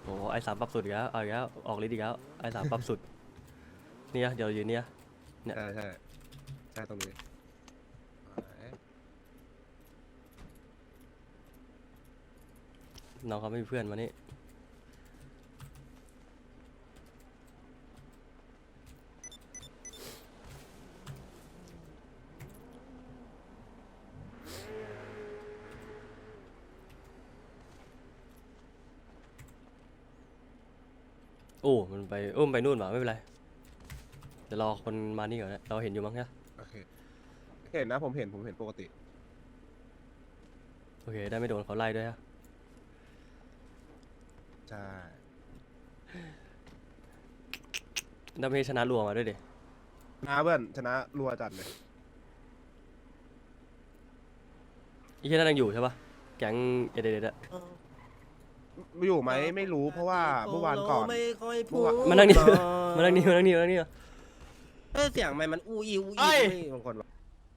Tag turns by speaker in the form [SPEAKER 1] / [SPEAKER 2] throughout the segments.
[SPEAKER 1] โอ้ไอสามปรับสุดอีกแล้วเอาอีกแล้วออกฤทธิ์อีกแล้วไอสามปรับสุดเนี่ยเดี๋ยวยืนเนี่ยเนี่ย
[SPEAKER 2] ใช่ใช่ตรงนี้
[SPEAKER 1] น้องเขาไม่มีเพื่อนมานี่โอ้มันไปมันไปนู่นหว่าไม่เป็นไรเดี๋ยวรอคนมานี่ก่อนนะเราเห็นอยู่มั้งใช่ไหม
[SPEAKER 2] โอเคเห็นนะผมเห็นปกติ
[SPEAKER 1] โอเคได้ไม่โดนเขาไล่ด้วยฮะ
[SPEAKER 2] ใช่
[SPEAKER 1] ได้ไม่ชนะรัวมาด้วยดิ
[SPEAKER 2] ชนะเพื่อนชนะรัวจัดเลย
[SPEAKER 1] ไอ้ที่นั่นยังอยู่ใช่ปะแก๊งเอเดเดอะ
[SPEAKER 2] อยู่ไหมไม่รู้เพราะว่าเมื่อวานก่อน
[SPEAKER 3] ไม่ค่อยพูด
[SPEAKER 1] มานั่งนี่มานั่งนี่มานั่งนี่มานั่งนี่
[SPEAKER 3] เสียงมันอู้อีอู้
[SPEAKER 4] เอ้
[SPEAKER 3] อี
[SPEAKER 4] ย
[SPEAKER 3] บางคนบอก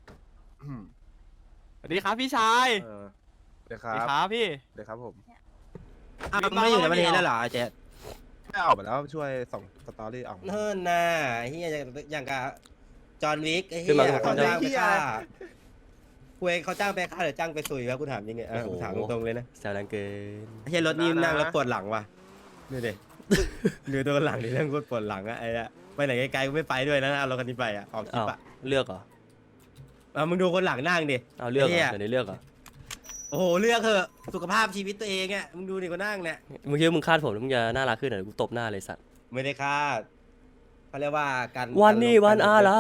[SPEAKER 4] สวัสดีครับพี่ชาย
[SPEAKER 2] เดี๋ยวค
[SPEAKER 4] สวัสดี
[SPEAKER 2] รับ
[SPEAKER 4] ครับพี่
[SPEAKER 2] เดี๋ยวครับผม
[SPEAKER 3] อ้าวไม่อยู่ในประเทศแล้วเหรอไอ้เจ๊
[SPEAKER 2] ไม่ออกไปแล้วช่วยส่งสตอรี่ออก
[SPEAKER 3] เนิ่นน่ะเฮียอย่างกับจอห์นวิกไอ้เฮียเขาจ้างไปฆ่าคุยเขาจ้างไปฆ่าหรือจ้างไปสุยวะกูถามยังไงกูถามตรงๆเลยนะ
[SPEAKER 1] แซวดังเกิน
[SPEAKER 3] ไอ้เฮียรถนี่นั่งแล้วปวดหลังว่ะนี่ดิดูตัวหลังนี่นั่งปวดหลังอะไอ้อะไปไหนไกลๆกูไม่ไปด้วยนะเอารถคันนี้ไปอะออกคลิ
[SPEAKER 1] อ้าว
[SPEAKER 3] ปอะ
[SPEAKER 1] เลือกเหรอ
[SPEAKER 3] มึงดูคนหลังนั่งดิ
[SPEAKER 1] เอาเลือกเหร
[SPEAKER 3] ไอ้เหี้
[SPEAKER 1] อย เดี๋ยวนี้เลือกเหรอ
[SPEAKER 3] โอ้โหเลือกเถอะสุขภาพชีวิตตัวเองอะมึงดูดิคนนั่งเนี่ย
[SPEAKER 1] มึงคิดว่ามึงคาดผมแล้วมึงจะน่ารักขึ้นเหรอกูตบหน้าเลยสัตว์
[SPEAKER 3] ไม่ได้คาดเขาเรียกว่าการ
[SPEAKER 1] วันนี้
[SPEAKER 3] การลง
[SPEAKER 1] วันอะไร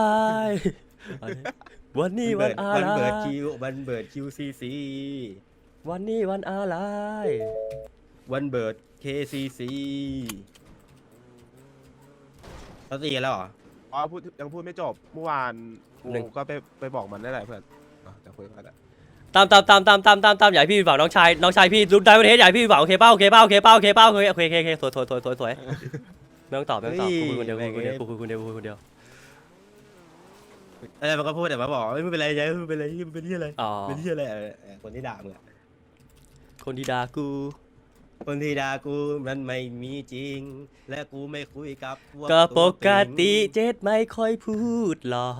[SPEAKER 1] วันนี้วันอะ
[SPEAKER 3] วัน
[SPEAKER 1] ไร
[SPEAKER 3] เบิร์ดคิววันเบิร์ดคิวซีซี
[SPEAKER 1] วันนี้วันอะไร
[SPEAKER 3] วันเบิร์ดเคซีซีเขาตีกันแล้วเหรอ
[SPEAKER 2] อ๋อยังพูดไม่จบเมื่อวานกูก็ไปบอกมันได้แหละเพื่อนจะคุยกันแหละ
[SPEAKER 1] ตามอย่าให้พี่ผิดหวังน้องชายพี่รุ่นได้ประเทศอย่าให้พี่ผิดหวังโอเคเป้าโอเคสวยไม่ต้องตอบกูคุยคนเดียวกูคุยคนเดียว
[SPEAKER 3] อะไรมันก็พูดแต่มาบอกไม่เป็นไรยายไม่เป็นไรมันเป็นที่อะไร
[SPEAKER 1] อ๋อ
[SPEAKER 3] เป็นที่อะไรคนที่ด่ามึงอะ
[SPEAKER 1] คนที่ด่ากู
[SPEAKER 3] คนที่ด่ากูมันไม่มีจริง และกูไม่คุยกับพวก
[SPEAKER 1] ก็ป
[SPEAKER 3] ตัว
[SPEAKER 1] ก
[SPEAKER 3] ตึง
[SPEAKER 1] ติเจ็ดไม่ค่อยพูดหรอก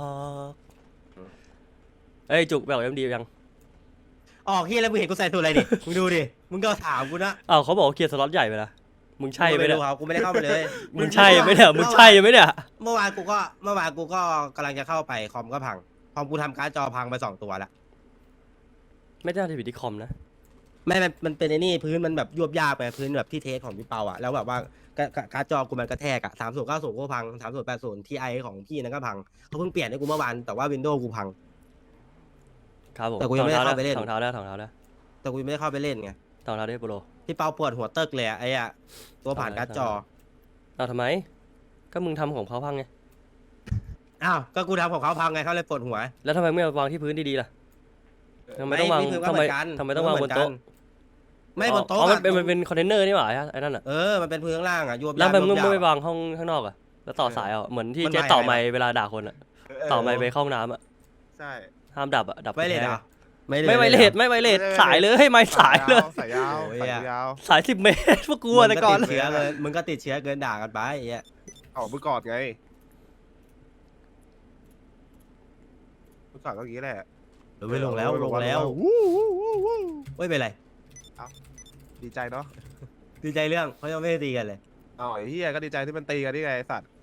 [SPEAKER 1] เอ้ยจุกแบบยังดียัง
[SPEAKER 3] ออกเฮียแล้วมึงเห็นกูใส่ตัวอะไรดิมึงดูดิมึงก็ถามกูนะ
[SPEAKER 1] อ้าวเขาบอกเคลียร์สล็อตใหญ่ไปละมึงใช่ไหมเนี่ย
[SPEAKER 3] กูไม่ได้เข้าไปเลย
[SPEAKER 1] มึงใช่ไหมเนี่ยมึงใช่ไหมเนี่ย
[SPEAKER 3] เมื่อวานกูก็กำลังจะเข้าไปคอมก็พังคอมกูทำการ์ดจอพังไป2 ตัวละ
[SPEAKER 1] ไม่ได้ผิดที่คอมนะ
[SPEAKER 3] ไม่มันเป็นไอ้นี่พื้นมันแบบยวบยากไปพื้นแบบที่เทสของพี่เปาอ่ะแล้วแบบว่าการ์ดจอกูมันกระแทกอ่ะ3090ก็พัง3080 Ti ของพี่นั่นก็พังเขาเพิ่งเปลี่ยนให้กูเมื่อวานแต่ว่า Windows กูพัง
[SPEAKER 1] ครับผม
[SPEAKER 3] แต่กูยังไม่ได้เข้าไปเล่น
[SPEAKER 1] ถองเท้าแล้ว
[SPEAKER 3] แต่กูยังไม่ได้เข้าไปเล่นไง
[SPEAKER 1] ถองเท้าได้โปร
[SPEAKER 3] พี่เปาปวดหัวเติกเลยอะไอ้อะตัวผ่านการ์ดจอ
[SPEAKER 1] เอาทำไมก็มึงทำของเขาพังไง
[SPEAKER 3] อ้าวก็กูทำของเขาพังไงเขาเลยปวดหัว
[SPEAKER 1] แล้วทำไมไม่วางที่พื้นดีๆล่ะทำไมต้องวาง
[SPEAKER 3] พื้นก็
[SPEAKER 1] ทำ
[SPEAKER 3] เห
[SPEAKER 1] ไม
[SPEAKER 3] อนกัน
[SPEAKER 1] ทำไมต้องวางบนโต๊ะ
[SPEAKER 3] ไม่บนโต๊ะ
[SPEAKER 1] อ๋อ
[SPEAKER 3] อะ
[SPEAKER 1] มันเป็นคอนเทนเนอร์นี่หว่าไอ้นั่นอ่ะ
[SPEAKER 3] มันเป็นพื้นข้างล่างอ่ะยวบ
[SPEAKER 1] แล้ว
[SPEAKER 3] ยาก
[SPEAKER 1] ทำไมมึง
[SPEAKER 3] ยวบยาก
[SPEAKER 1] ไม่วางห้องข้างนอกอ่ะแล้วต่อสายอ่ะเหมือนที่
[SPEAKER 3] มัน
[SPEAKER 1] เจ๊
[SPEAKER 3] ไม่
[SPEAKER 1] ต่อ
[SPEAKER 3] อะไร
[SPEAKER 1] ไมค์เวลาด่าคนอ่ะต่อไมค์ไปเข้าห้องน้ำอ่ะ
[SPEAKER 2] ใช่
[SPEAKER 1] ห้ามดับอ่ะดับ
[SPEAKER 3] ไม่เลยเหรอ
[SPEAKER 1] ไม่ไวเลสไม่ไวเลสสายเลยให้ไม่สายเลย
[SPEAKER 2] สายยาว
[SPEAKER 3] โอ้ย
[SPEAKER 2] สาย
[SPEAKER 3] อะ
[SPEAKER 2] ยาว
[SPEAKER 1] สาย10 เมตรพวกกูอะแต่ก่อน
[SPEAKER 3] มึงก็ติดเชื้อเกินด่ากันไปไอ้เหี้ย
[SPEAKER 2] เอาเมื่อก่อนไงเมื่อก่อนก็อย่างนี้แหละ
[SPEAKER 3] ไม่ลงแล้วไม่เป็นไร
[SPEAKER 2] ดีใจเนาะ
[SPEAKER 3] ดีใจเรื่องเขายังไม่ได้ตีกันเลย
[SPEAKER 2] อ๋อไอ้เฮียก็ดีใจที่มันตีกันนี่ไงไอ้สัตว์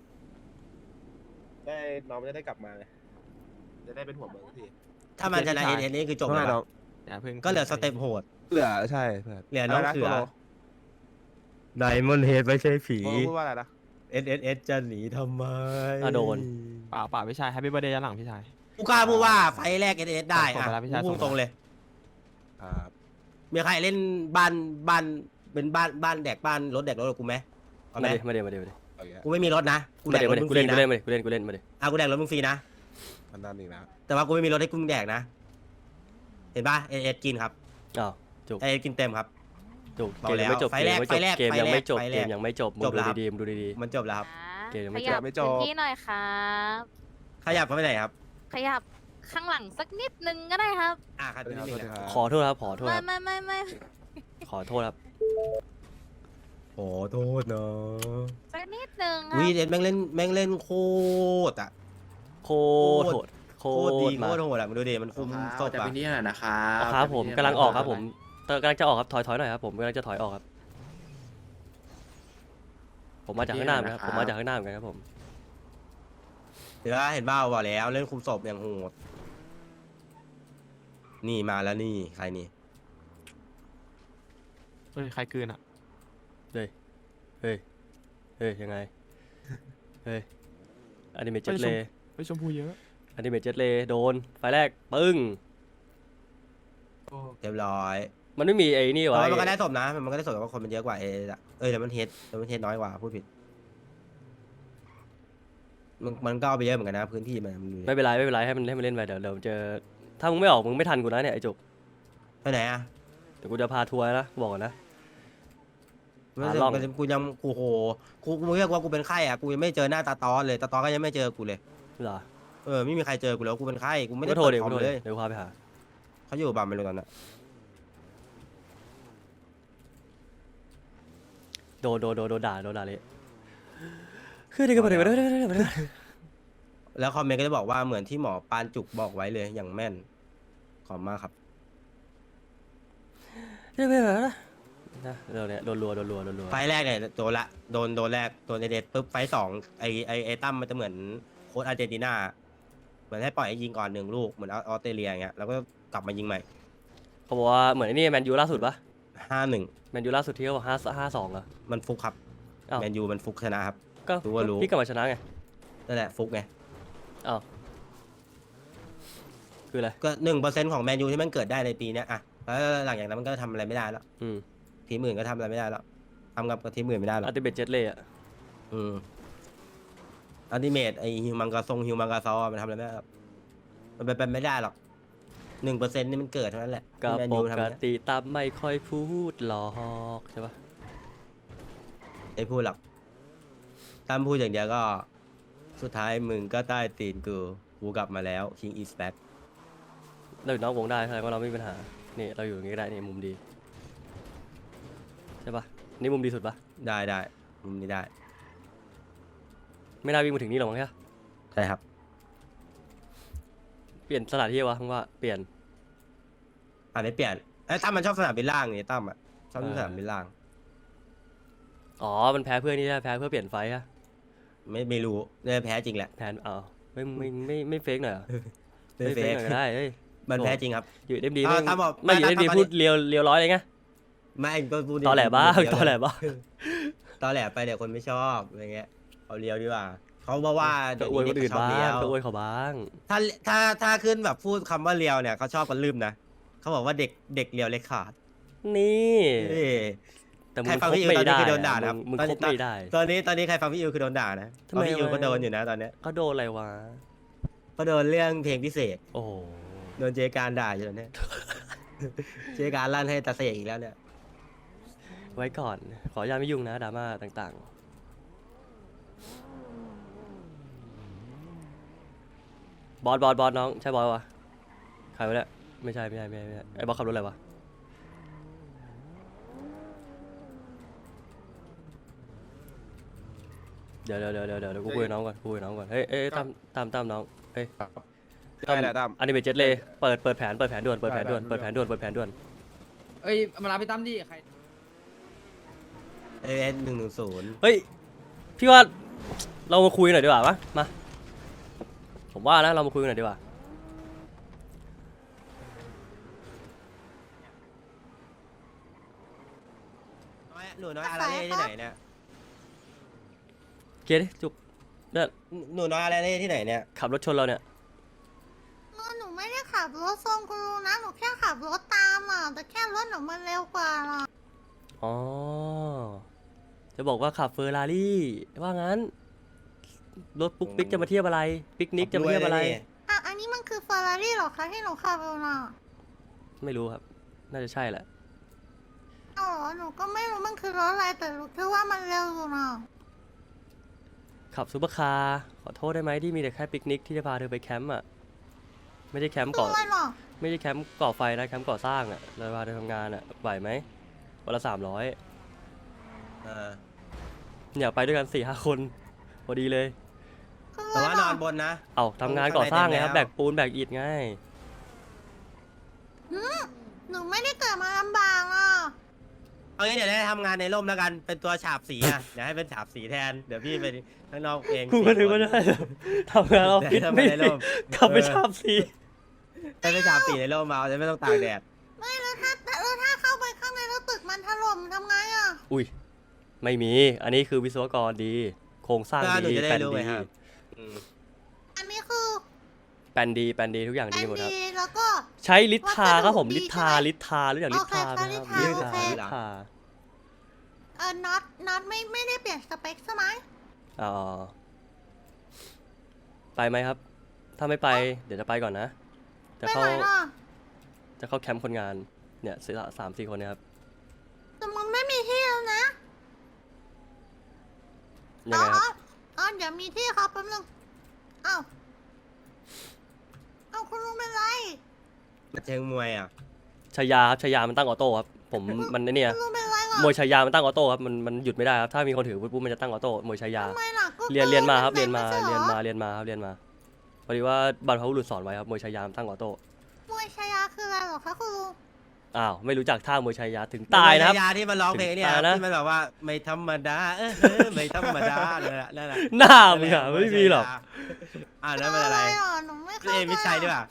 [SPEAKER 2] ได้น้องมันจะได้กลับมาไงจะได้เป็นหัวเมืองที
[SPEAKER 3] ถ้ามันชนะเห็นนี่คือจบ
[SPEAKER 2] ไม่
[SPEAKER 3] แล้ว
[SPEAKER 2] น้อง
[SPEAKER 4] อย่าเพิ่ง
[SPEAKER 3] ก็เหลือสเต็ปโหด
[SPEAKER 2] เหลือใช่เพื่อน
[SPEAKER 3] เหลือน้อง
[SPEAKER 2] ะไร
[SPEAKER 3] เขือ
[SPEAKER 2] โกโล
[SPEAKER 3] ไดมอนเฮดไม่ใช่ผี
[SPEAKER 2] โกโลพูดว่าอะไรนะ
[SPEAKER 3] SSS จะหนีทำไม
[SPEAKER 1] อ่ะโดน
[SPEAKER 4] เปล่าพี่ชายแฮปปี้เบอร์เดย์ย้อนหลังพี่ชาย
[SPEAKER 3] กูกล้าพูดว่าไฟแรก SSS ได้
[SPEAKER 4] ส่ง
[SPEAKER 3] อะ
[SPEAKER 4] ไปแล้วพี่ชาย
[SPEAKER 3] พู
[SPEAKER 4] ส่
[SPEAKER 3] ด
[SPEAKER 4] งไป
[SPEAKER 3] ตรงเลย
[SPEAKER 2] ครับ
[SPEAKER 3] มีใครเล่นบ้านเป็นบ้านแดกบ้านรถแดกรถกับกูไหมเอาไหม
[SPEAKER 1] มาเดี๋ยว
[SPEAKER 2] เอาอย่างเงี้ย
[SPEAKER 3] กูไม่มีรถนะกูแด
[SPEAKER 1] มาก เดี๋ยว
[SPEAKER 3] รถมึงฟรีนะ
[SPEAKER 1] กูเล่นมาเดี๋ยว
[SPEAKER 3] กูแดกรถมึงฟรีนะ
[SPEAKER 2] มันนั่นอีกแล้ว
[SPEAKER 3] แต่ว่ากูไม่มีรถให้กูแดกนะ เห็นป่ะ SSS กินครับ
[SPEAKER 1] อ้าวจุก
[SPEAKER 3] SSS กินเต็มครับ
[SPEAKER 1] จุก
[SPEAKER 3] บอก
[SPEAKER 1] เกมยังไม่จบ
[SPEAKER 3] แล้ว
[SPEAKER 1] เกมยังไม่จบ
[SPEAKER 3] ไฟแรก
[SPEAKER 1] เกมยังไม่จบ
[SPEAKER 3] จบแล้ว
[SPEAKER 1] มึงดูดี
[SPEAKER 3] มันจบแล้วครับ
[SPEAKER 1] เกมยังไม่
[SPEAKER 5] ข
[SPEAKER 1] จบ
[SPEAKER 5] ยับพื้นที่หน่อยครับ
[SPEAKER 3] ขยับเข้าไปไหนครับ
[SPEAKER 5] ขยับข้างหลังสักนิดนึงก็ได้ครับ
[SPEAKER 3] ครับนิดนึงนะ
[SPEAKER 1] ขอโทษครับ
[SPEAKER 5] ไม่
[SPEAKER 1] ขอโทษครับ
[SPEAKER 3] ขอโทษนะ
[SPEAKER 5] สักนิดนึงค
[SPEAKER 3] วี
[SPEAKER 5] รับ
[SPEAKER 3] เด็ดแม่งเล่นโคตรอะ
[SPEAKER 1] โคตรโหดโค
[SPEAKER 3] โคตรดี
[SPEAKER 1] ตร
[SPEAKER 3] โค
[SPEAKER 1] มา
[SPEAKER 3] ตรโหดอะมึงดูดิมันคุมศพ
[SPEAKER 6] แต่
[SPEAKER 3] อะ
[SPEAKER 6] พื้นที่หน่อยนะครับ
[SPEAKER 1] อ๋อครับผมกำลังออกครับผมกำลังจะออกครับถอยหน่อยครับผมกำลังจะถอยออกครับ ผมมาจากข้างหน้าเหมือนกันครับผมมาจากข้างหน้าเหมือนกันครับผม
[SPEAKER 3] เดี๋ยวเห็นบ้าบอกแล้วเล่นคุมศพอย่างโหดนี่มาแล้วนี่ใครนี่
[SPEAKER 4] เฮ้ยใครกลืนอ่ะ
[SPEAKER 1] เฮ้ยเฮ้ยยังไงเฮ้ยอนิเมะเจ็ต
[SPEAKER 4] เฮ้ย
[SPEAKER 1] เล
[SPEAKER 4] เฮ้ยชมพูเยอะ
[SPEAKER 1] อนิเมะเจ็ตเลโดนไฟแรกปึ้ง
[SPEAKER 4] โอ้
[SPEAKER 3] เรียบร้อย
[SPEAKER 1] มันไม่มีไอ้นี่
[SPEAKER 3] แต่
[SPEAKER 1] วะ
[SPEAKER 3] ว่ามันก็ได้ศพนะมันก็ได้ศพแต่ว่าคนมันเยอะกว่าอะแต่มันเฮดน้อยกว่าพูดผิดมันก็เอาไปเยอะเหมือนกันนะพื้นที่มันดูดิ
[SPEAKER 1] ไม่เป็นไรไม่เป็นไรให้มันเล่นไปเดี๋ยวเจอถ้ามึงไม่ออกมึงไม่ทันกูนะเนี่ยไอ้จุก
[SPEAKER 3] ไปไหนอะ
[SPEAKER 1] เดี๋ยวกูจะพาทัวร์นะกูบอกก่อนนะ
[SPEAKER 3] ไม่
[SPEAKER 1] หา
[SPEAKER 3] ใช่
[SPEAKER 1] ล่อง
[SPEAKER 3] กูยังกูโหกูเรียกว่ากูเป็นไข้อะกูยังไม่เจอหน้าตาตอนเลยตาตอนก็ยังไม่เจอกูเลย
[SPEAKER 1] เหรอ
[SPEAKER 3] ไม่มีใครเจอกูแล้วกูเป็นไข้กูไม่ได้
[SPEAKER 1] ก็โทร
[SPEAKER 3] เปิด
[SPEAKER 1] เดี๋ยว
[SPEAKER 3] คอ
[SPEAKER 1] กู
[SPEAKER 3] ม
[SPEAKER 1] โทร
[SPEAKER 3] เล
[SPEAKER 1] เดี๋ยวย เดี๋ยวกูพาไปหา
[SPEAKER 3] เขาอยู่บ้านไม่รู้ตอนนั้น
[SPEAKER 1] โดนด่าเลยคือเด็กก็บอกเด็ก
[SPEAKER 3] แล้วคอมเมนต์ก็จะบอกว่าเหมือนที่หมอปานจุกบอกไว้เลยอย่างแม่นขอบมากครับ
[SPEAKER 1] นะเราเนี่ยโดนรัว
[SPEAKER 3] ไฟล์แรกเนี่ยโดนละโดนแรกโดนเด็ดปุ๊บไฟล์สองไอตั้มมันจะเหมือนโค้ชอาร์เจนตินาเหมือนให้ปล่อยให้ยิงก่อน1 ลูกเหมือนออสเตรเลียอย่างเงี้ยแล้วก็กลับมายิงใหม่
[SPEAKER 1] เขาบอกว่าเหมือนไอ้นี่แมนยูล่าสุดปะ
[SPEAKER 3] 5-1
[SPEAKER 1] แมนยูล่าสุดที่เขาบอก5-2อะ
[SPEAKER 3] มันฟุกครับ
[SPEAKER 1] อ้าว
[SPEAKER 3] แมนยูมันฟุกชนะครับ
[SPEAKER 1] ก็
[SPEAKER 3] รู้ว่ารู้
[SPEAKER 1] พี่กลับมาชนะไง
[SPEAKER 3] นั่นแหละฟุกไง
[SPEAKER 1] อ้าวคืออะไร
[SPEAKER 3] ก็1%ของแมนยูที่มันเกิดได้ในปีเนี้ยอะแล้วหลังจากนั้นมันก็ทำอะไรไม่ได้แล้ว
[SPEAKER 1] อืม
[SPEAKER 3] ทีมอื่นก็ทำอะไรไม่ได้แล้วทำกับทีมอื่นไม่ได้หรอก
[SPEAKER 1] อัลติเมทเจ็ตเลยอะ
[SPEAKER 3] อัลติเมทไอฮิวมังกาฮิวมังกาซอมันทำอะไรไม่ได้หรอกมันเป็นไม่ได้หรอก1%นี่มันเกิดเท่านั้นแหละ
[SPEAKER 1] ก็
[SPEAKER 3] ที่แมน
[SPEAKER 1] ป
[SPEAKER 3] ยูทำ
[SPEAKER 1] ก
[SPEAKER 3] เนี่ย
[SPEAKER 1] ติตามไม่ค่อยพูดหรอกใช่ปะ
[SPEAKER 3] ไอ้พูดหรอกถ้าพูดอย่างเดียวก็สุดท้ายมึงก็ใต้ตีนกูกลับมาแล้ว King is back
[SPEAKER 1] เราอยู่นอกวงได้แสดงว่าเราไม่มีปัญหานี่เราอยู่อย่างงี้ก็ได้นี่มุมดีใช่ปะนี่มุมดีสุดปะ
[SPEAKER 3] ได้มุมนี้ได้
[SPEAKER 1] ไม่น่าวิ่งมาถึงนี่หรอกมั้งใช่ปะ
[SPEAKER 3] ใช่ครับ
[SPEAKER 1] เปลี่ยนสถานที่วะมึงว่าเปลี่ยน
[SPEAKER 3] ไม่เปลี่ยนไอ้ตั้มมันชอบสนามบินล่างนี่ตั้มอ่ะชอบ
[SPEAKER 1] เออ
[SPEAKER 3] สนามบินล่าง
[SPEAKER 1] อ๋อมันแพ้เพื่อนนี่ใช่ปะแพ้เพื่อเปลี่ยนไฟอะ
[SPEAKER 3] ไม่รู้เนี่ยแพ้จริงแหละ
[SPEAKER 1] แผนอ้าวไม่เฟกหน่อยเหรอ
[SPEAKER 3] ไม่
[SPEAKER 1] ไม่
[SPEAKER 3] เฟ
[SPEAKER 1] เฟก
[SPEAKER 3] ก
[SPEAKER 1] หน่อยก็ได้เฮ้ย
[SPEAKER 3] มัน
[SPEAKER 1] โอ้
[SPEAKER 3] แพ้จริงครับ
[SPEAKER 1] อยู่เอ็มดี
[SPEAKER 3] ถ้าบอก
[SPEAKER 1] ไม่อยู่เอ็มดี
[SPEAKER 3] ถ้า
[SPEAKER 1] พูดเรียวร้อยเลยไง
[SPEAKER 3] ไม่ก็พูด
[SPEAKER 1] ตอแหลบ้าง
[SPEAKER 3] เดียว
[SPEAKER 1] ตอแหลบ้าง
[SPEAKER 3] ตอแหลไปเดี๋ยวคนไม่ชอบอะไรเงี้ยเอาเรียวดีกว่าเขาบอกว่า
[SPEAKER 1] ก็
[SPEAKER 3] เดี๋ยว
[SPEAKER 1] อวยคนอื่น
[SPEAKER 3] นี้เด็กชอบ
[SPEAKER 1] บ้า
[SPEAKER 3] เรีย
[SPEAKER 1] ง
[SPEAKER 3] ว
[SPEAKER 1] ก็อวยเขาบ้าง
[SPEAKER 3] ถ้าขึ้นแบบพูดคำว่าเรียวเนี่ยเขาชอบกันลืมนะเขาบอกว่าเด็กเรียวเล็กขาด
[SPEAKER 1] นี่
[SPEAKER 3] เอ้ย
[SPEAKER 1] แต่มึ
[SPEAKER 3] ใครง ฟัง
[SPEAKER 1] คบ
[SPEAKER 3] พี่อิว
[SPEAKER 1] ไม่
[SPEAKER 3] ตอนนี้
[SPEAKER 1] ได้
[SPEAKER 3] คือโดนด่านะครับ
[SPEAKER 1] มึง
[SPEAKER 3] ตอน
[SPEAKER 1] ค
[SPEAKER 3] นี้
[SPEAKER 1] บไม่ได้
[SPEAKER 3] ตอนนี้ใครฟังพี่อิวคือโดนด่านะ
[SPEAKER 1] ทำไม
[SPEAKER 3] เพราะพี่อิว
[SPEAKER 1] วะ
[SPEAKER 3] ก็โดนอยู่นะตอนเนี้ย
[SPEAKER 1] ก็โดนอะไรวะ
[SPEAKER 3] ก็โดนเรื่องเพลงพิเศษ
[SPEAKER 1] โอ้โห
[SPEAKER 3] โดนเจการด่าอยู่ตอนเนี้ย เจการลั่นให้ตาเสกอีกแล้วเนี่ย
[SPEAKER 1] ไว้ก่อน ขออนุญาตไม่ยุ่งนะดราม่าต่างๆ บอสน้องใช่บอสวะใครวะเนี่ยไม่ใช่ไอ้บอสขับรถอะไรวะเดี๋ยวกูคุยกับน้องก่อนเฮ้ยตามน้องเฮ้ย
[SPEAKER 2] ได้แหละตั้ม
[SPEAKER 1] อันนี้เป็นเจ็ตเลยเปิดแผนด่วนเปิดแผนด่วน
[SPEAKER 7] เอ้ยมารับพี่ตั้มดิใคร
[SPEAKER 3] 110
[SPEAKER 1] เฮ้ยพี่ว่าเรามาคุยหน่อยดีกว่าปะมาผมว่านะเรามาคุยกันหน่อยดีกว่า
[SPEAKER 3] หนูน้อยอาราเล่ที่ไหนเนี่ย
[SPEAKER 1] เกียร์ดิจุกเนี่ย
[SPEAKER 3] หนูน้อยอาราเล่ที่ไหนเนี่ย
[SPEAKER 1] ขับรถชนเราเนี่ย
[SPEAKER 8] หนูไม่ได้ขับรถทรงคุณลุงนะ หนูแค่ขับรถตามอ่ะ แต่แค่รถหนูมันเร็วกว่าน่ะ
[SPEAKER 1] อ๋อจะบอกว่าขับเฟอร์รารี่ว่างั้นรถปุ๊กปิ๊กจะมาเทียบอะไรปิกนิกจะมาเทียบอะไร
[SPEAKER 8] อ่ะ อันนี้มันคือเฟอร์รารี่หรอคะที่หนูขับอยู่น่ะ
[SPEAKER 1] ไม่รู้ครับ น่าจะใช่แหละ
[SPEAKER 8] อ๋อหนูก็ไม่รู้มันคือรถอะไรแต่รู้แค่ว่ามันเร็วอยู่น่ะ
[SPEAKER 1] ขับซูเปอร์คาร์ขอโทษได้ไหมที่มีแต่แค่ปิกนิกที่จะพาเธอไปแคมป์อ่ะไม่ใช่แคมป์
[SPEAKER 8] ตั
[SPEAKER 1] ก่อ
[SPEAKER 8] วหรอ
[SPEAKER 1] ไม่ใช่แคมป์ก่อไฟนะแคมป์ก่อสร้างอ่ะเราพาเธอทำงานอ่ะไหวไหมวันละ300 เนี่ยไปด้วยกัน4-5 คนพอดีเลย
[SPEAKER 3] แต่ว่านอนบนนะ
[SPEAKER 1] เอาทำงานก่อสร้างไงครับ
[SPEAKER 3] ข้างใน
[SPEAKER 1] แบกปูนแบกอิฐไง
[SPEAKER 8] หนูไม่ได้เกิดมาลำบากอ่ะ
[SPEAKER 3] เอางี้เดี๋ยวได้ทำงานในร่มแล้วกันเป็นตัวฉาบสีอ่ะ เดี๋ยวให้เป็นฉาบสีแทนเดี๋ยวพี่ไปข้างนอกเอง
[SPEAKER 1] กูก็นึกว่าได้ทำงานออฟฟิศ
[SPEAKER 3] ทำ
[SPEAKER 1] ไม่
[SPEAKER 3] งานในร่ม
[SPEAKER 1] กลับไปชอบสี
[SPEAKER 3] ให้เป็นฉาบสีในร่มมาจะไม่ต้องตากแดด
[SPEAKER 8] ไม่แล้วถ้าเข้าไปข้างในแล้วตึกมันถล่มทำไงอ่ะ
[SPEAKER 1] อุ้ยไม่มี อันนี้คือวิศวกรดี โครงสร้าง
[SPEAKER 3] หนู
[SPEAKER 1] ดี
[SPEAKER 3] จะได้
[SPEAKER 1] แปลน
[SPEAKER 3] รู้ไง
[SPEAKER 1] ดี
[SPEAKER 3] ครับอืม
[SPEAKER 8] อันนี้คือ
[SPEAKER 1] แปลนดีทุกอย่าง
[SPEAKER 8] แอ
[SPEAKER 1] ดี
[SPEAKER 8] น
[SPEAKER 1] หมดครับ
[SPEAKER 8] ดีแล้วก็
[SPEAKER 1] ใช้ลิทธาครับผม
[SPEAKER 8] วัสดุดี
[SPEAKER 1] ลิทธา
[SPEAKER 8] ใช่ไหม
[SPEAKER 1] ลิทธารู้จักลิทธาไหมครับ
[SPEAKER 8] โอเค
[SPEAKER 1] ลิทธา
[SPEAKER 8] โอเค
[SPEAKER 1] ลิทธา
[SPEAKER 8] น็อตไม่ได้เปลี่ยนสเปคใช่ไหม
[SPEAKER 1] อ๋อไปไหมครับ ถ้าไม่ไปเดี๋ยวจะไปก่อนนะ จะ
[SPEAKER 8] ไป
[SPEAKER 1] เข้า
[SPEAKER 8] ไหนล่ะ
[SPEAKER 1] จะเข้าแคมป์คนงานเนี่ย3-4 คนเนะครับ
[SPEAKER 8] แต่มันไม่มีที่แล้วนะ
[SPEAKER 1] ยังไงครับ
[SPEAKER 8] เดี๋ยวมีที่ครับแป๊บนึงอ้าวคุณลุงเป็นไร
[SPEAKER 3] เชิงมวยอ่ะ
[SPEAKER 1] ชายาครับชายามันตั้งออโต้ครับผมมันไอ้เนี่ย
[SPEAKER 8] คุณลุงเป็นไรล่ะ
[SPEAKER 1] มวยชายามันตั้งออโต้ครับมันหยุดไม่ได้ครับถ้ามีคนถือปุ๊บมันจะตั้งออโต้มวยชายา
[SPEAKER 8] ทำไมล่ะก็
[SPEAKER 1] เรียนมาครับ
[SPEAKER 8] กิ
[SPEAKER 1] เรี
[SPEAKER 8] น
[SPEAKER 1] ยนมา
[SPEAKER 8] ไใช่ห
[SPEAKER 1] เรียน
[SPEAKER 8] อ
[SPEAKER 1] มาเรียนมาครับเรียนมาพอดีว่าบรรพบุรุษสอนไว้ครับมวยชายามตั้งออโต้
[SPEAKER 8] มวยชายาคืออะไรเหรอคะคุณลุง
[SPEAKER 1] อ้าวไม่รู้จักท่ามวยชายาถึงตายนะครับ
[SPEAKER 3] ยาที่มันร้องเพลงเนี่ย
[SPEAKER 1] ถึงตายนะ
[SPEAKER 3] ที่มันแบบว่าไม่ธรรมดาไม่ธรรมดานั่นแหละนั่นแหละ
[SPEAKER 1] หน้ามึงอะไม่มีหรอก
[SPEAKER 3] แล้วมันอะไร
[SPEAKER 8] หนูไม่
[SPEAKER 3] คือ
[SPEAKER 8] เข้า
[SPEAKER 3] เอ
[SPEAKER 8] ใจ
[SPEAKER 3] มิชัยด้วยป่ะ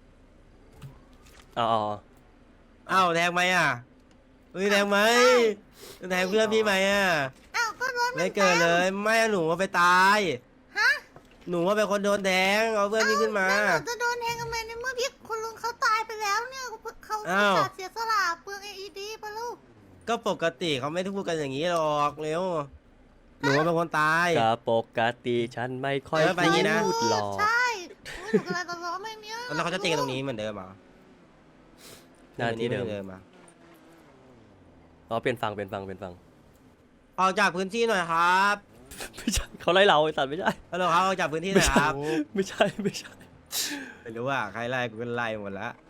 [SPEAKER 1] อ๋อ
[SPEAKER 3] อ้าวแทงไหมอ่ะมึงแทงไหมแทงเพื่อนพี่ไหมอ่ะ
[SPEAKER 8] อ้าวก็รถ
[SPEAKER 3] ไม่เกิดเลยไม่หนูว่าไปตาย
[SPEAKER 8] ฮะ
[SPEAKER 3] หนูว่าเป็นคนโดนแทงเอาเพื่อนพี่ขึ้นมา
[SPEAKER 8] แล้วหนูจะโดนแทงทำไมในเมื่อพี่คุณลุงเขาตายไปแล้วเนี่ยเขา
[SPEAKER 3] อ้าว
[SPEAKER 8] จัดเสียสละเปลือง AED ปะลูก
[SPEAKER 3] ก็ปกติเขาไม่ได้พูดกันอย่างนี้หรอกเร็วหนูว่าเป็นคนตาย
[SPEAKER 1] ก็ปกติฉันไม่ค่อย
[SPEAKER 3] เออไปอย่างงี้นะ
[SPEAKER 1] พูดหรอก
[SPEAKER 8] ใช่อุ๊ยหนูกำลังจะร้องไม่เนี้ย
[SPEAKER 3] แล้วเขาจะตีกันตรงนี้เหมือนเดิมเหรอ
[SPEAKER 1] หน้าที่เดิม
[SPEAKER 3] หอนเดิมอ่ะ
[SPEAKER 1] อ๋อเปลี่ยนฟัง
[SPEAKER 3] ออกจากพื้นที่หน่อยครับ
[SPEAKER 1] ไม่ใช่เขาไล่เราไอ้สัตว์ไม่ใช่
[SPEAKER 3] ฮัลโหลครับออกจากพื้นที่หน่อยครับ
[SPEAKER 1] ไม่ใช่ไม่ใช่
[SPEAKER 3] ไม่รู้ว่าใครไล่กูก็ไล่หมดแล้ว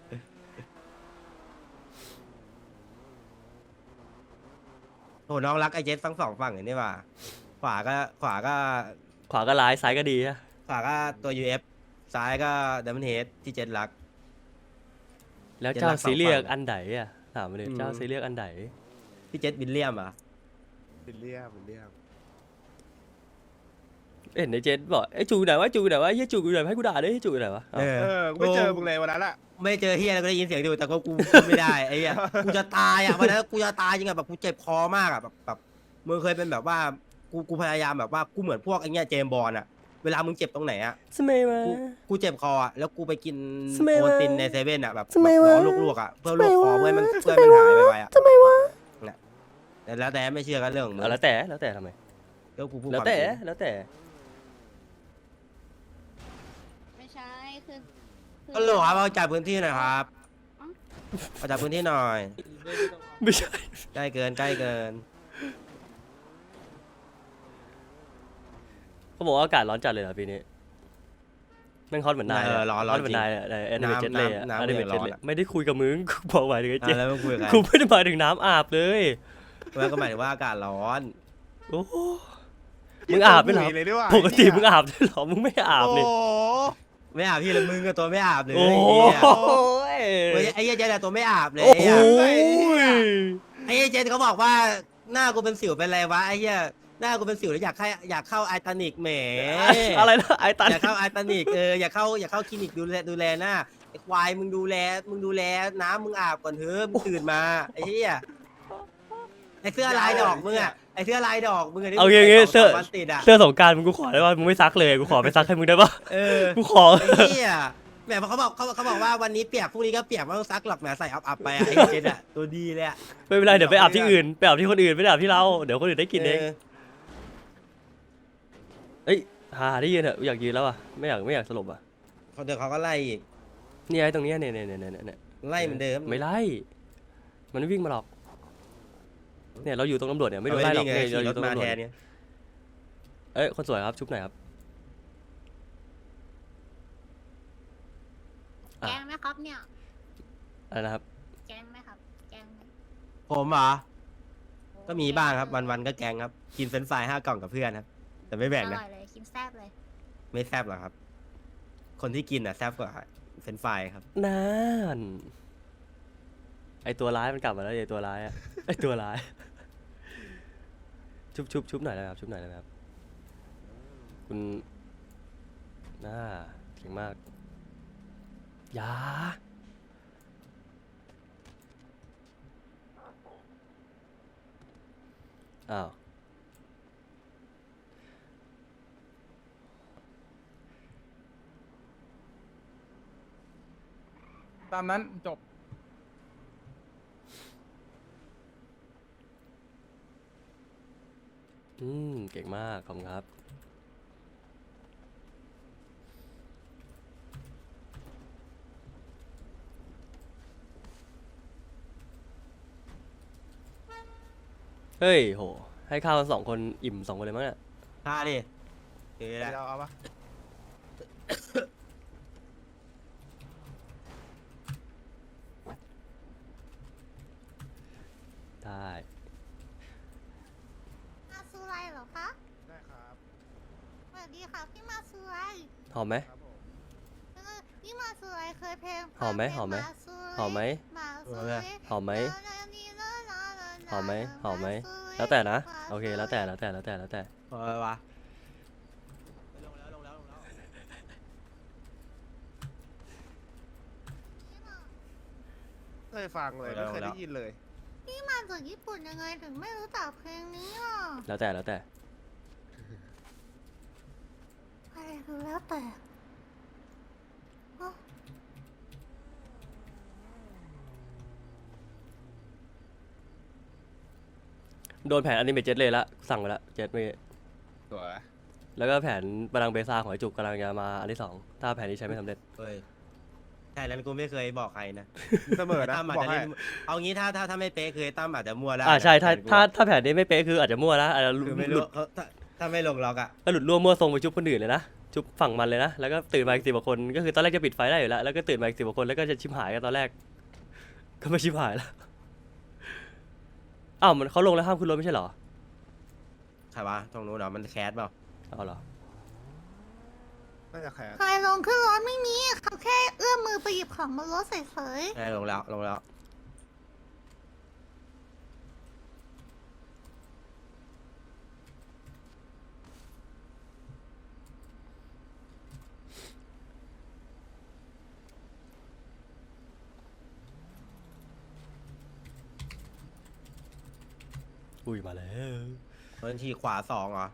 [SPEAKER 3] โหน้องรักไอเจสทั้งสองฝั่งเห็นนี่ว่าขวาก็
[SPEAKER 1] ขวาก็ร้ายซ้ายก็ดีนะ
[SPEAKER 3] ขวาก็ตัว UF ซ้ายก็ดัมเบิลเฮดที่เจสรัก
[SPEAKER 1] แล้วเจ้า
[SPEAKER 3] เดี๋ยวรักสอง
[SPEAKER 1] ซีเรียก
[SPEAKER 3] ฝั่ง
[SPEAKER 1] อันไหนอะถามมาเลย
[SPEAKER 3] อืม
[SPEAKER 1] เจ้าซีเรียกอันไหน
[SPEAKER 3] ที่เจสวิลเลียมอ่ะ
[SPEAKER 2] เป็นเรียบเป็นเรียบ
[SPEAKER 1] เห็นในเจนบอกไอ้จูไหนวะจูไหนวะเฮียจูอยู่ไหนให้กูด่าด้วยเฮียจูอยู่ไหนวะ
[SPEAKER 3] เออ
[SPEAKER 2] กูไม่เจอมึงเลยวันนั้นอะ
[SPEAKER 3] ไม่เจอเฮียแล้วก็ได้ยินเสียงอยู่แต่ก็กูพูดไม่ได้ไอ้เหี้ยกูจะตายอ่ะวันนั้นกูจะตายจริงอ่ะแบบกูเจ็บคอมากอ่ะแบบมึงเคยเป็นแบบว่ากูพยายามแบบว่ากูเหมือนพวกไอ้เงี้ยเจมส์บอลอ่ะเวลามึงเจ็บตรงไหนอ่ะ
[SPEAKER 1] สมัยมา
[SPEAKER 3] กูเจ็บคออ่ะแล้วกูไปกิน
[SPEAKER 1] ทำไมวะ
[SPEAKER 3] โปรตีนในเซเว่นอ่ะแบบ
[SPEAKER 1] ทำไมวะ
[SPEAKER 3] ร้อนลวกๆอ่ะเพื่อลวกคอ
[SPEAKER 1] ทำไมวะ
[SPEAKER 3] เพื่อให้มันหายไปอ่ะ
[SPEAKER 1] ทำไมวะ
[SPEAKER 3] แต่แล้วแต่ไม่เชื่อกันเรื่องของมึง
[SPEAKER 1] แล้วแต่ทำไม
[SPEAKER 3] ก็กูพูด
[SPEAKER 1] แล้ว
[SPEAKER 3] ความ
[SPEAKER 1] แต่
[SPEAKER 3] จริง
[SPEAKER 1] แล้วแต่
[SPEAKER 5] ไม่ใช่คือ
[SPEAKER 3] ก็โหลครับเอาจากพื้นที่หน่อยครับเอาจากพื้นที่หน่อย
[SPEAKER 1] ไม่ใช่
[SPEAKER 3] ใกล้เกินใกล้เกิน
[SPEAKER 1] เขาบอกว่าอากาศร้อนจัดเลยเหรอปีนี้แม่งฮอตเหมือนนาย
[SPEAKER 3] ร้อน
[SPEAKER 1] เหมือนนายอะแอนิเมเจนเลย
[SPEAKER 3] น้ำ
[SPEAKER 1] แอนิเมเจน
[SPEAKER 3] ร้อน
[SPEAKER 1] เลย
[SPEAKER 3] อะ
[SPEAKER 1] ไม่ได้คุยกับมึงกูบอกหมายถึงไอ้เจ
[SPEAKER 3] แล้วมึงคุยกับใคร
[SPEAKER 1] กูไม่ได้หมายถึงน้ำอาบเลย
[SPEAKER 3] แล้วก็หมายถึงว่าอากาศร้อน
[SPEAKER 1] โอ้โหมึงอาบไหมเหรอ
[SPEAKER 2] เลยดีกว่า
[SPEAKER 1] ปกติมึงอาบด้วยเหรอมึงไม่อาบ
[SPEAKER 2] โอ้
[SPEAKER 1] เลย
[SPEAKER 2] โห
[SPEAKER 3] ไม่อาบพี่ละมึงกับตัวไม่อาบเลย
[SPEAKER 1] โอ้
[SPEAKER 3] ไอ้
[SPEAKER 1] โห
[SPEAKER 3] เหี้ย ไอ้เหี้ยเจนอะตัวไม่อาบเลย
[SPEAKER 1] โอ้โห
[SPEAKER 3] ไอ้เหี้ยเจนเขาบอกว่าหน้ากูเป็นสิวเป็นอะไรวะไอ้เหี้ยหน้ากูเป็นสิวแล้วอยากเข้าไอตานิกแหม
[SPEAKER 1] อะไรนะไอ้ตัน
[SPEAKER 3] อยากเข้าไอตานิกอยากเข้าคลินิกดูแลหน้าไอ้ควายมึงดูแลน้ำมึงอาบก่อนเถอะมึงตื่นมาไอ้เหี้ยไอ้เสื้อลายดอกมึงอะไอ้เสื้อลายดอกมึงะที่
[SPEAKER 1] เอาอย่างงี้
[SPEAKER 3] มึใส่
[SPEAKER 1] เสื้อ
[SPEAKER 3] 2-3วันติดอะ
[SPEAKER 1] เสื้อสงกรารมึงกูขอได้ว่ามึงไม่ซักเลยกูขอไปซักให้มึงได้ปะ
[SPEAKER 3] เออ
[SPEAKER 1] กูขอ
[SPEAKER 3] ไอ้เหี้ยแหมเขาบอกว่าวันนี้เปียกพรุ่งนี้ก็เปียกไม่ต้องซักหรอกแหมใส่อับไปอะไอ้เจนอะตัวดีเลยอะ
[SPEAKER 1] ไม่เป็นไรเดี๋ยวไปอาบที่อื่นไปอาบที่คนอื่นไม่ได้อาบที่เราเดี๋ยวคนอื่นได้กินเองเอ้ยหาได้ยืนเถอะอยากยืนแล้วอ่ะไม่อยากสลบอ่ะ
[SPEAKER 3] เขาเดี๋ยวเขาก็ไล่อีก
[SPEAKER 1] นี่ไอ้ตรงเนี้ยเนี่ย
[SPEAKER 3] ไล่เหมือนเดิม
[SPEAKER 1] ไม่ไล่มันไม่วิ่งมาหรอกเนี่ยเราอยู่ตรงตำรวจเนี่ยไม่โดนไล่หรอก
[SPEAKER 3] เา
[SPEAKER 1] เนี่ย
[SPEAKER 3] วิ่ง
[SPEAKER 1] เราอ
[SPEAKER 3] ขี่ร
[SPEAKER 1] ยู่
[SPEAKER 3] ถ
[SPEAKER 1] ตรง
[SPEAKER 3] มา
[SPEAKER 1] ตำรว
[SPEAKER 3] แท
[SPEAKER 1] จ
[SPEAKER 3] นเนี่ย
[SPEAKER 1] เอ้ยคนสวยครับชุบหน่อยครับ
[SPEAKER 5] แกงไหมครับเนี่ย
[SPEAKER 1] อะไรนะครับ
[SPEAKER 5] แกงไหมครับ แกงไหม
[SPEAKER 3] ผมเหรอก็มีบ้างครับวันๆก็แกงครับกินเฟรนช์ฟราย5 กล่องกับเพื่อนครับแต่ไม่แบ่ง
[SPEAKER 5] อ
[SPEAKER 3] นะ
[SPEAKER 5] ร่อยเลยกินแซบเลย
[SPEAKER 3] ไม่แซบหรอกครับ คนที่กินอ่ะแซบกว่าเฟรนช์ฟรายครับ
[SPEAKER 1] นั่นไอตัวร้ายมันกลับมาแล้วไอตัวร้ายอะไอตัวร้าย ชุบหน่อยนะครับชุบหน่อยนะครับคุณน่าเก่งมากอยาอ้าว
[SPEAKER 7] ตามนั้นจบ
[SPEAKER 1] เก่งมากขอบคุณครับเฮ้ยโหให้ข้าวกัน2 คนอิ่ม2 คนเลยมั้งเนี่ย
[SPEAKER 3] ท่าดิเดี๋ยวแหละ
[SPEAKER 2] เอาปะ
[SPEAKER 1] ได้
[SPEAKER 8] มาซูไรเหรอคะ
[SPEAKER 2] ได้ครับ
[SPEAKER 8] สวัสดีค่ะพี่มาซูไร
[SPEAKER 1] หอมไหม
[SPEAKER 2] ครับผม
[SPEAKER 8] พี่มาซูไรเคยเพลง
[SPEAKER 1] หอมไหม
[SPEAKER 8] เพลง
[SPEAKER 1] หอมไหม
[SPEAKER 8] าซูไร
[SPEAKER 1] หอมไหม
[SPEAKER 8] มาซูไร
[SPEAKER 1] หอมไหม หอมไหมหอมไหม
[SPEAKER 8] าซูไร
[SPEAKER 1] แล้วแต่นะ
[SPEAKER 8] มาซูไร
[SPEAKER 1] โอเคแล้วแต่แล้วแต่
[SPEAKER 3] พอไหมวะ
[SPEAKER 2] เคยฟังเลยไม่เคยได้ยินเลย
[SPEAKER 8] พี่มาจากญี่ปุ่นยังไงถึงไม่รู้จักเพลงนี้อ่ะ
[SPEAKER 1] แล้วแต่
[SPEAKER 8] อะไรคือแล้วแต่อ๋อ
[SPEAKER 1] โดนแผนอนิเมะเจ็ตเลยละสั่งไปละเจ็ตเมื่อกี้
[SPEAKER 2] สวย
[SPEAKER 1] แล้วก็แผนบาลังก์เบซ่าของไอจุกกำลังจะมาอันที่ 2ถ้าแผนนี้ใช้ไม่สำเร็จ
[SPEAKER 3] เฮ้ยใช่นั้นกูไม่เคยบอกใครนะ
[SPEAKER 2] เสมอนะ
[SPEAKER 3] ตั้มอาจ
[SPEAKER 2] บอก
[SPEAKER 3] จะ
[SPEAKER 2] ให้
[SPEAKER 3] เล่นเอางี้ถ้าไม่เป๊ะคือตั้มอาจจะมั่วแล้ว
[SPEAKER 1] ใช่ถ้า
[SPEAKER 3] แต่กู
[SPEAKER 1] ถ้าแผนนี้ไม่เป๊ะคืออาจจะมั่วนะอาจจะ
[SPEAKER 3] คือไม่
[SPEAKER 1] หลุ
[SPEAKER 3] รู้
[SPEAKER 1] ด
[SPEAKER 3] เขาถ้าไม่ลงล็อกอ่ะ
[SPEAKER 1] ก็หลุดร่วมมั่วทรงไปชุบคนอื่นเลยนะชุบฝั่งมันเลยนะแล้วก็ตื่นมาอีก10 กว่าคนก็คือตอนแรกจะปิดไฟได้อยู่แล้วแล้วก็ตื่นมาอีก10 กว่าคนแล้วก็จะชิบหายกันตอนแรก ก็ไม่ชิบหายแล้วอ้าวมันเขาลงแล้วห้ามขึ้นรถไม่ใช่เหรอ
[SPEAKER 3] ใช่ปะตรงนู้นเนาะมันแคสเปล่า
[SPEAKER 1] เอาเหรอ
[SPEAKER 2] น่าจะแคส
[SPEAKER 8] ใครลงขึ้นรถไม่มีเขาแค่เอื้อมมือไปหยิบของบนรถเฉย
[SPEAKER 3] ใช่ลงแล้ว
[SPEAKER 1] อุ้ยมาแล้ว
[SPEAKER 3] บัญชีขวา2เหรอ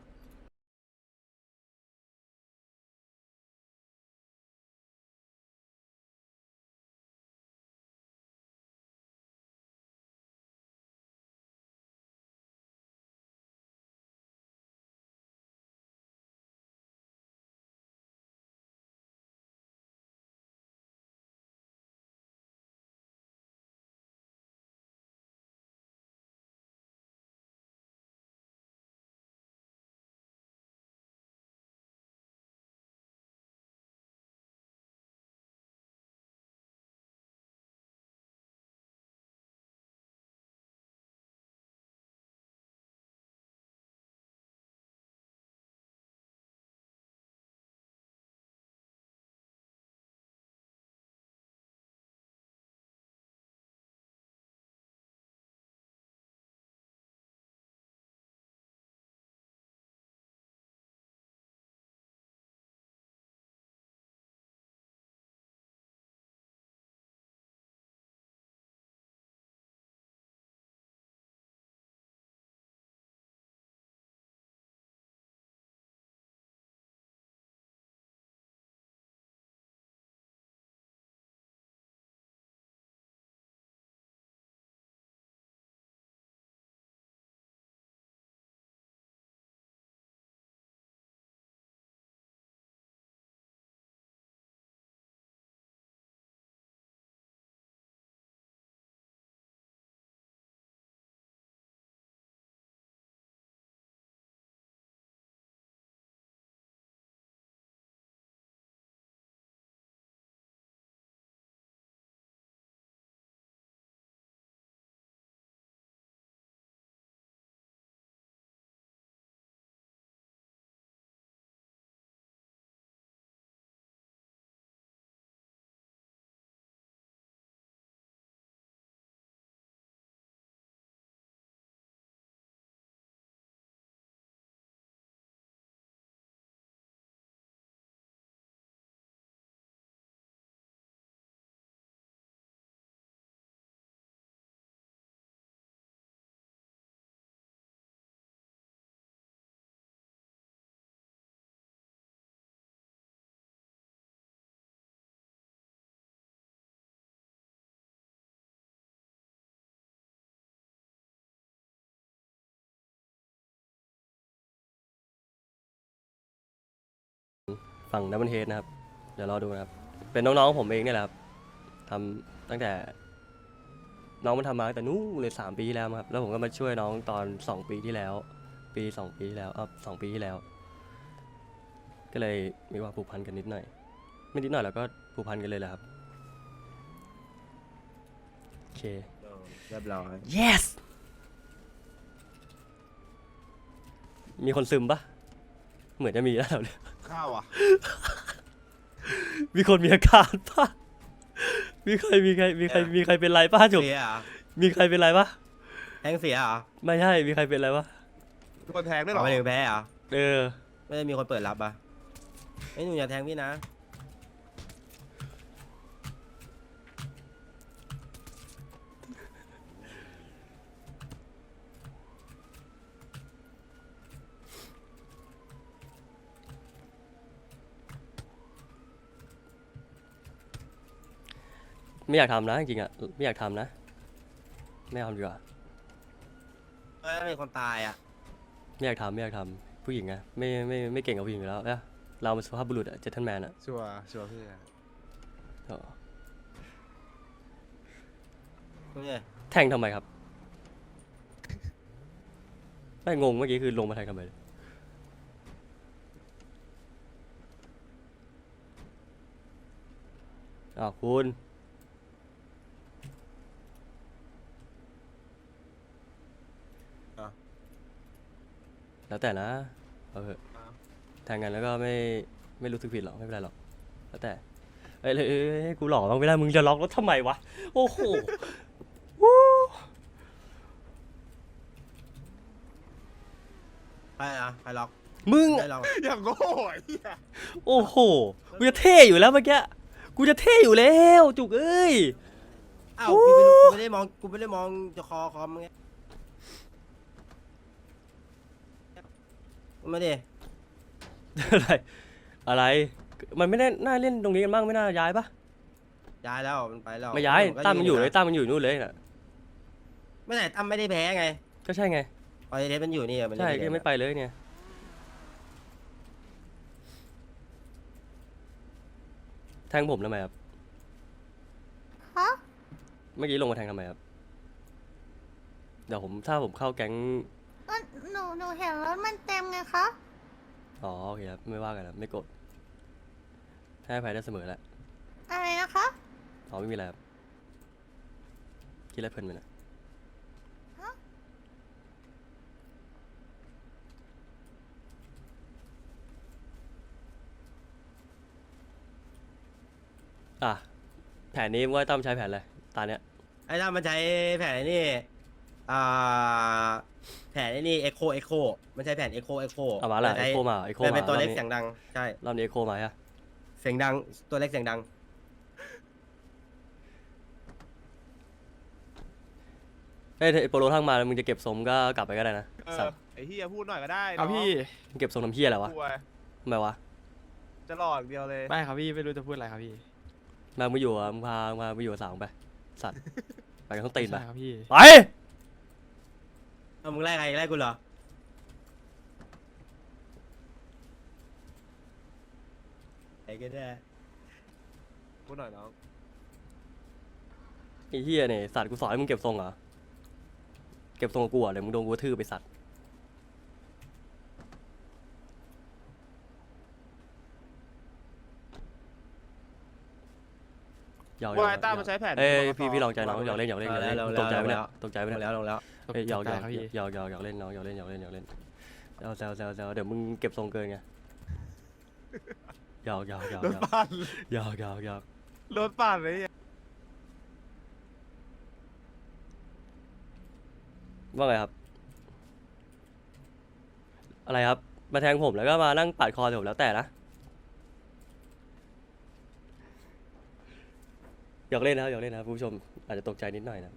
[SPEAKER 1] ฝั่งดับเบิลเฮดนะครับ เดี๋ยวรอดูนะครับ เป็นน้องๆผมเองเนี่ยแหละครับทำตั้งแต่น้องมันทำมาตั้งแต่นู้นเลย3 ปีที่แล้วมั้งครับแล้วผมก็มาช่วยน้องตอน2 ปีที่แล้ว2 ปีที่แล้ว2 ปีที่แล้ว ก็เลยมีความผูกพันกันนิดหน่อย ไม่นิดหน่อยแล้วก็ผูกพันกันเลยแหละครับโอเค
[SPEAKER 3] เรียบร้อย
[SPEAKER 1] yes มีคนซึมปะเหมือนจะมีแล้วเนี่ย
[SPEAKER 2] ข้าวอ่ะ
[SPEAKER 1] มีคนมีอาการปะมีใครเป็นไรปะจุก
[SPEAKER 3] เสียเหรอ
[SPEAKER 1] มีใครเป็นไรปะ
[SPEAKER 3] แทงเสียเหรอ
[SPEAKER 1] ไม่ใช่ มีใครเป็นไรปะ
[SPEAKER 2] มีคนแทงด้วยเหร
[SPEAKER 3] เอา
[SPEAKER 2] อ
[SPEAKER 3] ไปถึงแพ้เหรอ
[SPEAKER 1] เออ
[SPEAKER 3] ไม่ได้มีคนเปิดรับอ่ะไอ้หนูอย่าแทงพี่นะ
[SPEAKER 1] ไม่อยากทำนะจริงๆอ่ะ ไม่อยากทำนะ ไม่ทำดีกว่า
[SPEAKER 3] มีคนตายอ่ะ
[SPEAKER 1] ไม่อยากทำผู้หญิงไงไม่เก่งกับผู้หญิงอยู่แล้วเอ้ยเราเป็นสุภาพบุรุษอะเจนทันแมนอะ
[SPEAKER 2] ชัวร์พี่
[SPEAKER 1] อ๋อ
[SPEAKER 3] เนี่ย
[SPEAKER 1] แทงทำไมครับ ไม่งงเมื่อกี้คือลงมาแทงทำไมอ้าวคุณ แล้วแต่นะเอาเถอะแทงกันแล้วก็ไม่รู้สึกผิดหรอกไม่เป็นไรหรอกแล้วแต่ให้กูหลอกบ้างไม่ได้มึงจะล็อกรถทำไมวะโอ้โหวู้
[SPEAKER 3] ใครอ่ะใครล็อก
[SPEAKER 1] มึง
[SPEAKER 3] ได้ล็อก
[SPEAKER 2] อย่างโง่ไอ้เหี้ย
[SPEAKER 1] โอ้โหกูจะเท่อยู่แล้วเมื่อกี้กูจะเท่อยู่แล้วจุกเอ้ย
[SPEAKER 3] อ้าวพี่ไม่รู้กูไม่ได้มองจะคอมไงมาดิ
[SPEAKER 1] อะไรมันไม่ได้น่าเล่นตรงนี้กันบ้างไม่น่าย้ายปะ
[SPEAKER 3] ย้ายแล้วมันไปแล้ว
[SPEAKER 1] ไม่ย้าย
[SPEAKER 3] ก็
[SPEAKER 1] ตั้มมันอยู่เลย
[SPEAKER 3] ะ
[SPEAKER 1] ตั้มมันอยู่นู่นเลยน่ะ
[SPEAKER 3] ไม่ไหนตั้มไม่ได้แพ้ไง
[SPEAKER 1] ก็ใช่ไง
[SPEAKER 3] ออยเดสมันอยู่นี่มัน
[SPEAKER 1] ใช่
[SPEAKER 3] เล่น
[SPEAKER 1] ก็ยังไม่ไปเลยเนี่ยแทงผมทำไมครับ
[SPEAKER 8] ฮะ
[SPEAKER 1] เมื่อกี้ลงมาแทงทำไมครับเดี๋ยวถ้าผมเข้าแก๊ง
[SPEAKER 8] ก็หนูเห็นรถมันเต็มไงคะ
[SPEAKER 1] อ๋อโอเคครับไม่ว่ากันครับไม่โกรธให้อภัยได้เสมอแหละ
[SPEAKER 8] อะไรนะคะ
[SPEAKER 1] อ๋อไม่มีอะไรครับคิดอะไรเพลินไปหน่อย
[SPEAKER 8] ฮะ
[SPEAKER 1] อ่ะแผนนี้ว่าตั้มใช้แผนอะไรตาเนี้ย
[SPEAKER 3] ไอ้ตั้มมันใช้แผนไอ้นี่อ่าแผนไอ้นี่เอ็กโคมันใช้แผนเอ็กโค
[SPEAKER 1] เอามาละไอโคมาไอโคมา
[SPEAKER 3] เป็นตัวเล็ก
[SPEAKER 1] รอบนี้
[SPEAKER 3] เสียงดังใช่
[SPEAKER 1] รอบนี้ไอโคมาฮะ
[SPEAKER 3] เสียงดังตัวเล็กเสียงดัง
[SPEAKER 1] เอ้ยถ้าไอ้โปโลทั้งมาแล้วมึงจะเก็บสมก็กลับไปก็ได้นะ
[SPEAKER 2] เอ
[SPEAKER 1] สั
[SPEAKER 2] อ
[SPEAKER 1] ตว์
[SPEAKER 2] ไอ้เหี้ยพูดหน่อยก็ได้
[SPEAKER 4] ครับพี่
[SPEAKER 1] มึงเก็บสมทำเพี้ยอะไรวะ
[SPEAKER 2] กลัว
[SPEAKER 1] ทำไมวะ
[SPEAKER 2] จะหลอกเดียวเลย
[SPEAKER 4] ไม่ครับพี่ไม่รู้จะพูดอะไรครับพี่
[SPEAKER 1] มามึงอยู่อ่ะมึงพาไปอยู่กับสาวมึงไปสัตว์ ไปกันต้องตีนไป
[SPEAKER 4] ใช่ครับพี่
[SPEAKER 1] ไป
[SPEAKER 3] เอามึงไล่ใครไล่กูเหรอไอ้ก็ได้
[SPEAKER 2] พูดหน่อยน้อง
[SPEAKER 1] ไอ้เหี้ยเนี่ยสัตว์กูสอนให้มึงเก็บทรงเหรอเก็บทรงกับกูอ่ะเดี๋ยวมึงโดนกูกระทืบไปสัตว์หยอก
[SPEAKER 2] ว่าไอ้ต้ามันใช้แผน
[SPEAKER 1] เอ้ย
[SPEAKER 2] ก
[SPEAKER 1] พี่ลองใจน้องหยอกเล่นตกใจไหมเนี่ยตกใจไหม
[SPEAKER 3] ล
[SPEAKER 1] เนี่ย
[SPEAKER 3] งแล้ว
[SPEAKER 1] เอ้ยหยอก
[SPEAKER 4] ตกใจครับพี่
[SPEAKER 1] หยอกเล่นน้องหยอกเล่นแซวเดี๋ยวมึงเก็บทรงเกินไงหยอก
[SPEAKER 2] รถปั่น
[SPEAKER 1] หยอก
[SPEAKER 2] รถปั่นเลยเนี่ย
[SPEAKER 1] ว่าไงครับ อะไรครับ มาแทงผมแล้วก็มานั่งปาดคอผมแล้วแต่นะหยอกเล่นนะครับคุณผู้ชมอาจจะตกใจนิดหน่อยนะ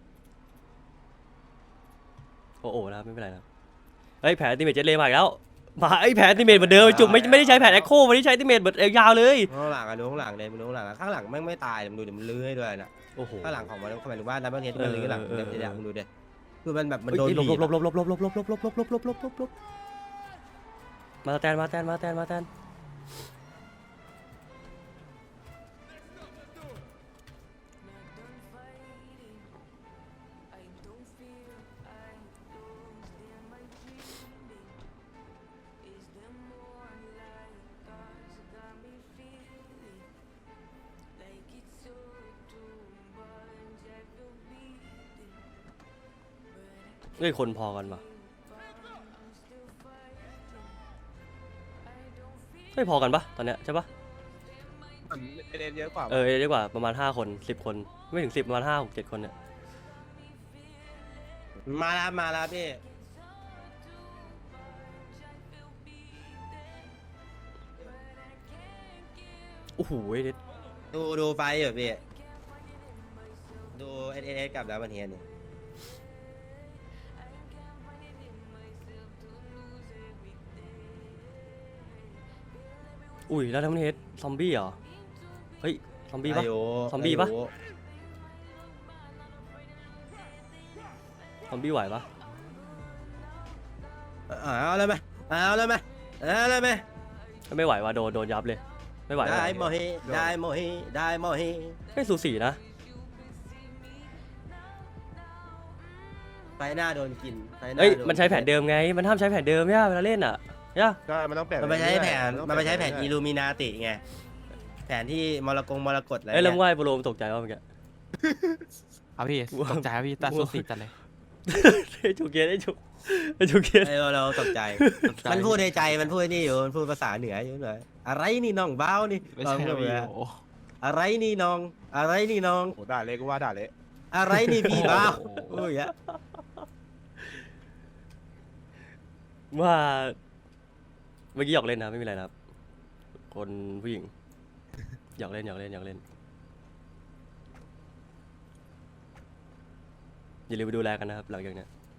[SPEAKER 1] โอ้นะครับไม่เป็นไรนะครับเฮ้ยแผลติเมจเจ็ตเลย์มาอีกแล้วมาไอ้แผนติเมตเหมือนเดิมจุกไม่ได้ใช้แผนแอคโคไม่ได้ใช้ติเมตแบบยาวเลย
[SPEAKER 3] ข้างหลังอะดูข้างหลังเลยมึงดูข้างหลังอะข้างหลังแม่งไม่ตายมึงดูดิมันลื้อให้ด้วยนะ
[SPEAKER 1] โอ้โห
[SPEAKER 3] ข้างหลังของมันหมายถึงว่าดับเบิลเฮดมันลื้อหลัง
[SPEAKER 1] เออ
[SPEAKER 3] เดี๋ยวมึงดูดิคือมันแบบมัน
[SPEAKER 1] เฮ้ย
[SPEAKER 3] โดน
[SPEAKER 1] หลบ
[SPEAKER 3] บีบ
[SPEAKER 1] หลบหล
[SPEAKER 3] อะ
[SPEAKER 1] บหลบหลบหลบหลบหลบหลบหลบหลบหลบหลบหลบหลบมาแตนมาแตนมาแตนมาแตนเฮ้ยคนพอกันปะเฮ้ยพอกันปะตอนเนี้ยใช่ปะ
[SPEAKER 2] มันเล่นเยอะกว่า
[SPEAKER 1] เออเรียกว่าประมาณ5 คน10 คนไม่ถึง10ประมาณ5 6 7 คนเนี่ย
[SPEAKER 3] มาแล้วพี่
[SPEAKER 1] โอ้โห
[SPEAKER 3] ดูไฟอยู่พี่ดูเอสกับดับเบิลเฮดเนี่ย
[SPEAKER 1] อุ้ยแล้วทั้งเฮดซอมบี้เหรอเฮ้ยซอมบี้ปะ
[SPEAKER 3] อายุ
[SPEAKER 1] ซอมบี้ปะ
[SPEAKER 3] อายุ
[SPEAKER 1] ซอมบี้ไหวปะ
[SPEAKER 3] เอาเลยไหมเอาเลยไหมเอาเลยไหม
[SPEAKER 1] ถ้าไม่ไหวว่ะโดนยับเลยไม่ไหว
[SPEAKER 3] ได้โมฮิได้โมฮิได้โมฮิ
[SPEAKER 1] ไม่สูสีนะ
[SPEAKER 3] ไฟหน้าโดนกินไฟหน้า
[SPEAKER 1] เอ้ย
[SPEAKER 3] โด
[SPEAKER 1] มันใช้แผนเดิมไงมันห้ามใช้แผนเดิมเนี่ยเวลาเล่นอ่ะเนี่ย
[SPEAKER 2] ใช่มันต้องเปลี่ยน
[SPEAKER 3] มันไปใช้แผน
[SPEAKER 2] ต้อง
[SPEAKER 3] มันไปใช้แผน
[SPEAKER 2] เป
[SPEAKER 3] อิ
[SPEAKER 2] ลี่ย
[SPEAKER 3] ลูมินาติไงแผนที่มรกตอะไร
[SPEAKER 1] เอ้ยแล้ว
[SPEAKER 3] เงี้
[SPEAKER 1] มึงว่าไอ้โปรโลมนตกใจว่าเมื่อกี้
[SPEAKER 4] เอาพี่ตกใจครับพี่ตาสุดสีจัดเลย
[SPEAKER 1] ไอ้จุกเกียร์ไอ้จุกเกียร์
[SPEAKER 3] ไอ้เราตกใจ
[SPEAKER 4] ตกใจ
[SPEAKER 3] มันพูดในใจมันพูดนี่อยู่มันพูดภาษาเหนืออยู่หน่อยอะไรนี่น้องเบ้านี่
[SPEAKER 4] ไม่
[SPEAKER 3] ลอง
[SPEAKER 4] ใช่
[SPEAKER 3] พูด
[SPEAKER 4] พี่
[SPEAKER 3] เลย
[SPEAKER 4] โอ้
[SPEAKER 3] อะไรนี่น้อง อะไรนี่น้อง
[SPEAKER 2] โอ้ด่าเละก็ว่าด่าเละ
[SPEAKER 3] อะไรนี่พี่เบ้า
[SPEAKER 4] โอ้โห
[SPEAKER 3] โอ้ยอะ
[SPEAKER 1] ว่าเมื่อกี้หยอกเล่นนะไม่มีอะไรนะครับคนผู้หญิงหยอกเล่นอย่าลืมไปดูแลกันนะครับหลังจากเนี้ย